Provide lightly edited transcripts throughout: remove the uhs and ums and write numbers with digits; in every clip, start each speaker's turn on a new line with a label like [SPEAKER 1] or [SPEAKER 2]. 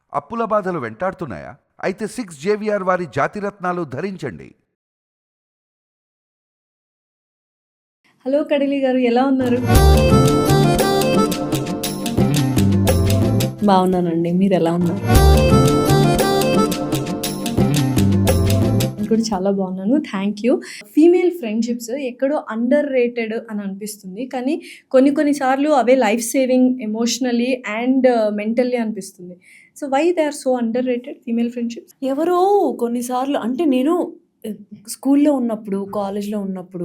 [SPEAKER 1] అప్పుల బాధలు వెంటాడుతున్నాయా? అయితే 6 జేవిఆర్ వారి జాతిరత్నాలు ధరించండి.
[SPEAKER 2] హలో కడిలి గారు, ఎలా ఉన్నారు?
[SPEAKER 3] బాగున్నానండి, మీరు ఎలా ఉన్నారు?
[SPEAKER 2] నేను కూడా చాలా బాగున్నాను, థ్యాంక్ యూ. ఫీమేల్ ఫ్రెండ్షిప్స్ ఎక్కడో అండర్ రేటెడ్ అని అనిపిస్తుంది, కానీ కొన్నిసార్లు అవే life saving emotionally and mentally అనిపిస్తుంది. So why they are so underrated female friendships?
[SPEAKER 3] ఎవరో కొన్నిసార్లు అంటే నేను స్కూల్లో ఉన్నప్పుడు, కాలేజ్లో ఉన్నప్పుడు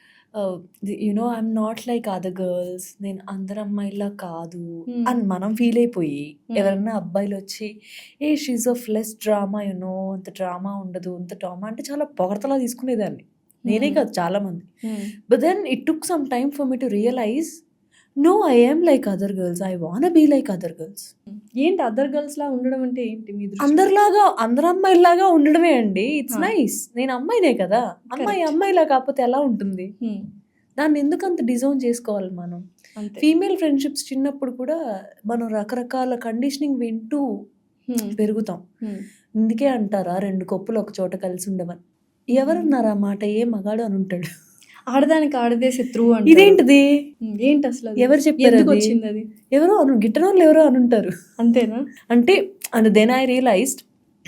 [SPEAKER 3] you know I'm not like other girls, నేను అందరు అమ్మాయిలా కాదు అని మనం ఫీల్ అయిపోయి ఎవరన్నా అబ్బాయిలు వచ్చి she's of less drama, you know అంత డ్రామా ఉండదు, అంత డ్రామా అంటే చాలా పొగడతలా తీసుకునేదాన్ని. నేనే కాదు, చాలా మంది. But then it took some time for me to realize, no, I am like other girls, I want be like other girls.
[SPEAKER 2] ఏంటి అదర్ గర్ల్స్ లా ఉండడం అంటే ఏంటి? మీ దృష్టిలో?
[SPEAKER 3] అందరిలాగా, అందరు అమ్మాయిలాగా ఉండడమే అండి. It's nice. నేను అమ్మాయినే కదా, అమ్మాయిలా కాకపోతే ఎలా ఉంటుంది? దాన్ని ఎందుకు అంత డిజైన్ చేసుకోవాలి మనం? ఫీమేల్ ఫ్రెండ్షిప్స్ చిన్నప్పుడు కూడా మనం రకరకాల కండిషనింగ్ వింటూ పెరుగుతాం. ఇందుకే అంటారా 2 కప్పులు ఒక చోట కలిసి ఉండమని. ఎవరన్నారా మాట? ఏ మగాడు అని ఉంటాడు.
[SPEAKER 2] ఆడదానికి ఆడదే శత్రువు అంటే
[SPEAKER 3] ఇదేంటిది?
[SPEAKER 2] ఏంటి అసలు?
[SPEAKER 3] ఎవరు చెప్పారు?
[SPEAKER 2] వచ్చింది అది?
[SPEAKER 3] ఎవరో గిట్టనోళ్ళు ఎవరో అని ఉంటారు.
[SPEAKER 2] అంతేనా?
[SPEAKER 3] అంటే అండ్ దెన్ ఐ రియలైజ్డ్,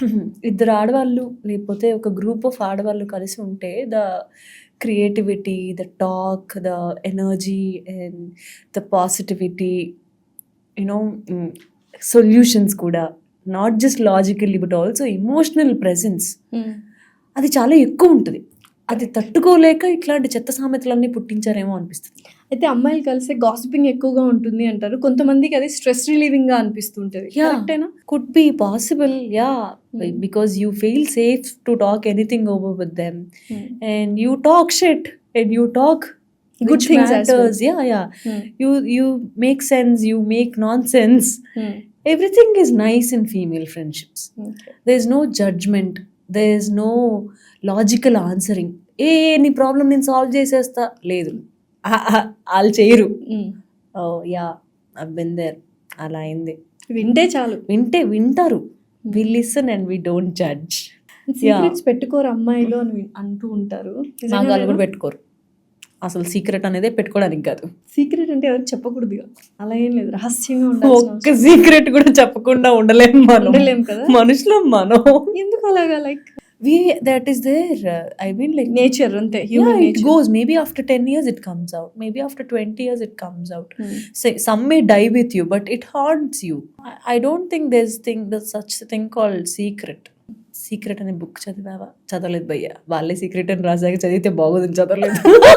[SPEAKER 3] 2 ఆడవాళ్ళు లేకపోతే ఒక గ్రూప్ ఆఫ్ ఆడవాళ్ళు కలిసి ఉంటే the creativity, the talk, the energy and the positivity, you know solutions కూడా, not just logically but also emotional presence, అది చాలా ఎక్కువ ఉంటుంది. అది తట్టుకోలేక ఇట్లాంటి చెత్త సామెతలన్నీ పుట్టించారేమో అనిపిస్తుంది.
[SPEAKER 2] అయితే అమ్మాయిలు కలిసి గాసిపింగ్ ఎక్కువగా ఉంటుంది అంటారు. కొంతమందికి అది స్ట్రెస్ రిలీవింగ్ గా అనిపిస్తుంటది. కరెక్టేనా?
[SPEAKER 3] Could be possible, ya, because you feel safe to talk anything over with them and you talk shit and you talk
[SPEAKER 2] good things as well.
[SPEAKER 3] Yeah. You make sense, you make nonsense. Everything is nice in female friendships. There is no judgment, there is no logical answering. నీ problem నేను solve చేసేస్తా, లేదు, వాళ్ళు చేయరు. Oh ya, I've been there, అలా అయింది.
[SPEAKER 2] వింటే చాలు,
[SPEAKER 3] వింటారు. We listen and we don't judge.
[SPEAKER 2] Secrets పెట్టుకోరు అమ్మాయిలు అని అంటూ ఉంటారు.
[SPEAKER 3] నాగాలు కూడా పెట్టుకోరు. అసలు సీక్రెట్ అనేదే పెట్టుకోవడానికి కాదు.
[SPEAKER 2] సీక్రెట్ అంటే ఎవరు చెప్పకూడదు, అలా ఏం లేదు, రహస్యంగా ఉండాలి.
[SPEAKER 3] ఒక్క సీక్రెట్ కూడా చెప్పకుండా ఉండలేము
[SPEAKER 2] కదా
[SPEAKER 3] మనుషులం మనం.
[SPEAKER 2] ఎందుకు అలాగా? Like
[SPEAKER 3] that is there, I mean, like
[SPEAKER 2] nature ante,
[SPEAKER 3] human nature. It goes, maybe after 10 years it comes out, maybe after 20 years it comes out. Say some may die with you, but it haunts you. I don't think there's such a thing called secret. Secret అనే book చదివావా? చదవలేదు భయ్య. వాళ్ళే secret అని రాసాక చదివితే బాగోదని చదవలేదు.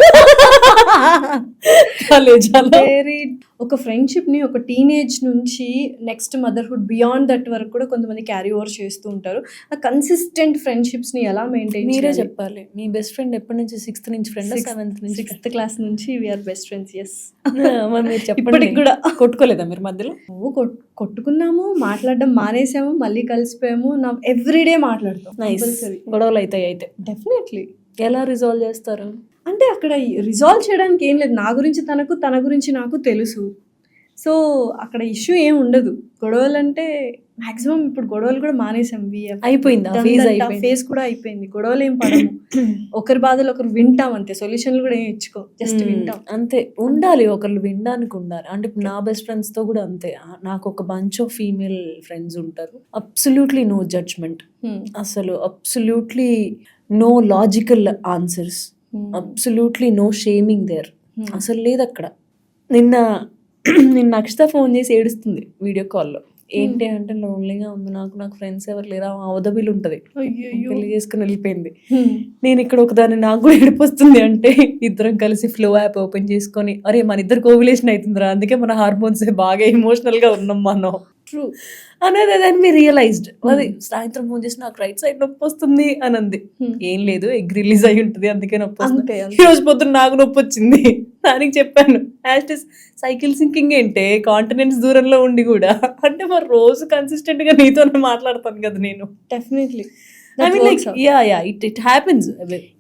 [SPEAKER 2] ఒక friendship ని ఒక టీనేజ్ నుంచి నెక్స్ట్ మదర్హుడ్ బియాండ్ దట్ వరకు కూడా కొంతమంది క్యారీ ఓవర్ చేస్తూ ఉంటారు. ఆ కన్సిస్టెంట్ ఫ్రెండ్షిప్స్ ని ఎలా మెయింటైన్?
[SPEAKER 3] మీరే చెప్పాలి. మీ బెస్ట్ ఫ్రెండ్ ఎప్పటి నుంచి? 6th నుంచి ఫ్రెండ్, 7th నుంచి?
[SPEAKER 2] 6th క్లాస్ నుంచి వీఆర్ బెస్ట్ ఫ్రెండ్స్. ఎస్.
[SPEAKER 3] మీరు చెప్పండి, కూడా కొట్టుకోలేదా మీరు మధ్యలో?
[SPEAKER 2] కొట్టుకున్నాము, మాట్లాడడం మానేసాము, మళ్ళీ కలిసిపోయాము. నా ఎవ్రీడే మాట్లాడతాం.
[SPEAKER 3] గొడవలు అవుతాయి. అయితే
[SPEAKER 2] డెఫినెట్లీ.
[SPEAKER 3] ఎలా రిజాల్వ్ చేస్తారు?
[SPEAKER 2] అంటే అక్కడ రిజాల్వ్ చేయడానికి ఏం లేదు. నా గురించి తనకు, తన గురించి నాకు తెలుసు. సో అక్కడ ఇష్యూ ఏం ఉండదు. గొడవలు అంటే మాక్సిమం ఇప్పుడు గొడవలు కూడా మానేసాం.
[SPEAKER 3] అయిపోయింది,
[SPEAKER 2] ఫేస్ కూడా అయిపోయింది. గొడవలు ఏం పడము, ఒకరి బాధలు ఒకరు వింటాం అంతే. సొల్యూషన్లు కూడా ఏం ఇచ్చుకో, జస్ట్ వింటాం
[SPEAKER 3] అంతే. ఉండాలి, ఒకళ్ళు వినడానికి ఉండాలి. అంటే నా బెస్ట్ ఫ్రెండ్స్ తో కూడా అంతే. నాకు ఒక బంచ్ ఆఫ్ ఫీమేల్ ఫ్రెండ్స్ ఉంటారు. అబ్సల్యూట్లీ నో జడ్జ్మెంట్, అసలు absolutely no logical answers, absolutely no shaming there. అసలు లేదు అక్కడ. నిన్న అక్షిత ఫోన్ చేసి ఏడుస్తుంది వీడియో కాల్లో. ఏంటి అంటే, లోన్లీగా ఉంది నాకు ఫ్రెండ్స్ ఎవరు లేరా, అవదబిల్ ఉంటుంది, పెళ్లి చేసుకుని వెళ్ళిపోయింది. నేను ఇక్కడ ఒకదాన్ని, నాకు కూడా ఏడుపు వస్తుంది. అంటే ఇద్దరం కలిసి ఫ్లో యాప్ ఓపెన్ చేసుకొని, అరే మన ఇద్దరు కోవిలేషన్ అవుతుందిరా, అందుకే మన హార్మోన్స్ బాగా ఎమోషనల్ గా ఉన్నాం మనం.
[SPEAKER 2] ట్రూ
[SPEAKER 3] అనేది దాన్ని మీరు రియలైజ్డ్. అది సాయంత్రం ఫోన్ చేసి నాకు రైట్ సైడ్ నొప్పి వస్తుంది అని అంది. ఏం లేదు, ఎగ్ రిలీజ్ అయి ఉంటుంది అందుకే నొప్పి వస్తుంది. ఈ రోజు పొద్దున్న నాకు నొప్పి వచ్చింది. దానికి చెప్పాను, సైకిల్ సింకింగ్ ఏంటే, కాంటినెంట్స్ దూరంలో ఉండి కూడా. అంటే మరి రోజు కన్సిస్టెంట్ గా నీతోనే మాట్లాడతాను కదా నేను.
[SPEAKER 2] Definitely.
[SPEAKER 3] I mean, like, yeah, it happens.